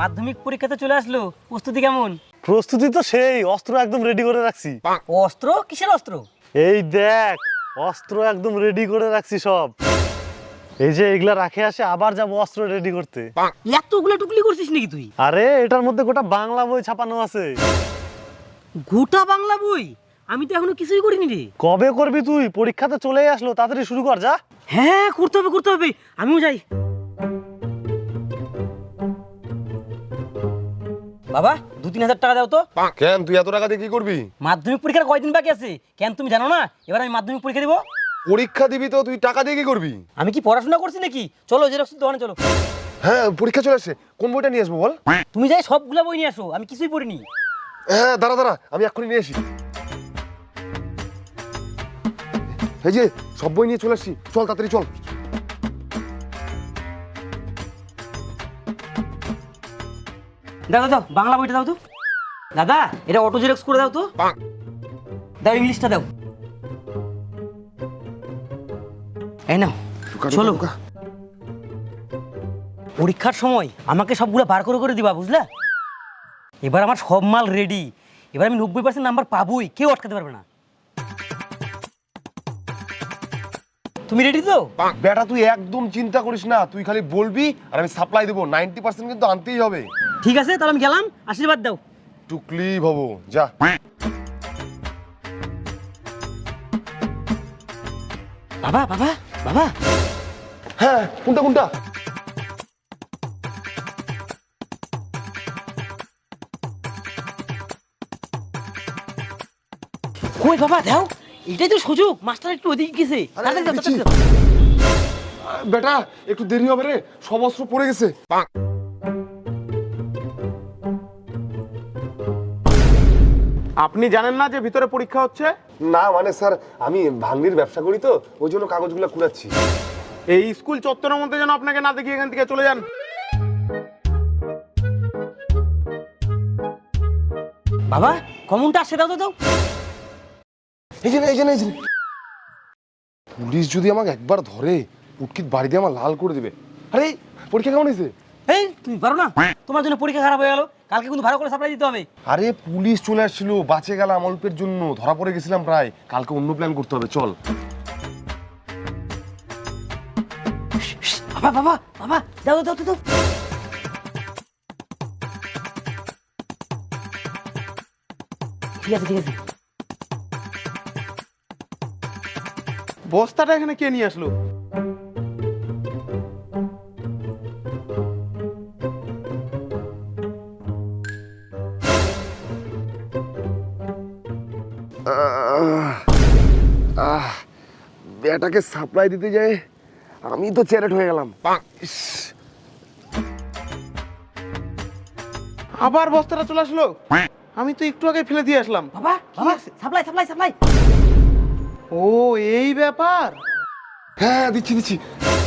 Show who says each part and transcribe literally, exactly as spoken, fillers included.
Speaker 1: মাধ্যমিক পরীক্ষাতে চলে আসলো, প্রস্তুতি কেমন?
Speaker 2: প্রস্তুতি তো সেই, অস্ত্র একদম রেডি করে রাখছি।
Speaker 1: অস্ত্র? কিসের অস্ত্র?
Speaker 2: এই দেখ, অস্ত্র একদম রেডি করে রাখছি সব। এই যে এগুলা রাখে আসে, আবার যাবো অস্ত্র রেডি করতে।
Speaker 1: এতগুলো টুকলি করছিস নাকি তুই?
Speaker 2: আরে এটার মধ্যে গোটা বাংলা বই ছাপানো আছে।
Speaker 1: গোটা বাংলা বই? আমি তো এখনো কিছুই করিনি রে।
Speaker 2: কবে করবি তুই? পরীক্ষাতে চলেই আসলো, তাড়াতাড়ি শুরু কর যা।
Speaker 1: হ্যাঁ, করতে হবে করতে হবে, আমিও যাই। বাবা, দু তিন হাজার টাকা দাও তো।
Speaker 3: কেন, তুই এত টাকা দিয়ে কি করবি?
Speaker 1: মাধ্যমিক পরীক্ষার কয়দিন বাকি আছে? কেন তুমি জানো না এবার আমি মাধ্যমিক পরীক্ষা দিব?
Speaker 3: পরীক্ষা দিবি তো তুই টাকা দিয়ে কি করবি?
Speaker 1: আমি কি পড়াশোনা করছি নাকি? চলো জেরক্সের দোকানে চলো।
Speaker 3: হ্যাঁ, পরীক্ষা চলে আসছে, কোন বইটা নিয়ে আসবো বল?
Speaker 1: তুমি যাই সবগুলা বই নিয়ে আসো, আমি কিছুই পড়িনি।
Speaker 3: হ্যাঁ, দাঁড়া দাঁড়া, আমি এক্ষুনি নিয়ে আসি। এই যে সব বই নিয়ে চলে আসছি, চল তাড়াতাড়ি চল।
Speaker 1: দাও দাও, বাংলা বইটা দাও তো। দাদা, এটা অটো জেরক্স করে দাও তো। দাও, ইংলিশটা দাও। এই নাও, চলো। পরীক্ষার সময় আমাকে সবগুলো বার করে করে দিবা, বুঝলা? এবার আমার সব মাল রেডি, এবার আমি নব্বই পার্সেন্ট নাম্বার পাবোই, কেউ আটকাতে পারবে না। তুমি রেডি তো?
Speaker 3: বেটা তুই একদম চিন্তা করিস না, তুই খালি বলবি আর আমি সাপ্লাই দেবো। নাইনটি পার্সেন্ট কিন্তু আনতেই হবে।
Speaker 1: ঠিক আছে, তাহলে আমি গেলাম, আশীর্বাদ দাও।
Speaker 3: টুকলি ভাবো, যা।
Speaker 1: বাবা বাবা বাবা,
Speaker 3: হ্যাঁ, কোনটা কোনটা?
Speaker 1: কই বাবা, দাও, এটাই তো সুযোগ, মাস্টার একটু ওদিকে গেছে।
Speaker 3: আরে,
Speaker 1: তাড়াতাড়ি দাও,
Speaker 3: দিচ্ছি।
Speaker 1: তাড়াতাড়ি দাও।
Speaker 3: বেটা একটু দেরি হবে রে, সব অস্ত্র পড়ে গেছে।
Speaker 4: আপনি জানেন না যে ভিতরে পরীক্ষা হচ্ছে?
Speaker 3: না মানে স্যার, আমি ভাঙ্গির ব্যবসা করি তো, ওই জন্য কাগজগুলো কুড়াচ্ছি।
Speaker 4: এই স্কুল চত্বরের মধ্যে যেন আপনাকে না দেখি, এখান থেকে চলে যান।
Speaker 1: বাবা, কমনটা আসছে, দাও তো দাও।
Speaker 3: এই যে না, এই যে না, এই যে না। পুলিশ যদি আমাকে একবার ধরে, উটকিত বাড়িতে আমার লাল করে দিবে। আরে পরীক্ষা কেমন হয়েছে?
Speaker 1: এই, তুমি পারো না? তোমার জন্য পরীক্ষা খারাপ হয়ে গেল, কালকে কিন্তু ভালো করে সাপ্লাই দিতে হবে।
Speaker 3: আরে পুলিশ চলে আসছিল, বাঁচে গেলাম অল্পের জন্য, ধরা পড়ে গেছিলাম প্রায়। কালকে অন্য প্ল্যান করতে হবে, চল।
Speaker 1: বাবা বাবা বাবা, দাও দাও দাও দাও। ঠিক আছে ঠিক আছে।
Speaker 4: বস্তাটা এখানে কে নিয়ে আসলো?
Speaker 3: আহ বেটাকে সাপ্লাই দিতে যায় আমি তো চ্যারেট হয়ে গেলাম। ইস,
Speaker 4: আবার বস্তাটা চলে আসলো। আমি তো একটু আগে ফেলে দিয়ে আসলাম।
Speaker 1: বাবা বাবা, সাপ্লাই সাপ্লাই সাপ্লাই।
Speaker 4: ও, এই ব্যাপার।
Speaker 3: হ্যাঁ দিচ্ছি দিচ্ছি।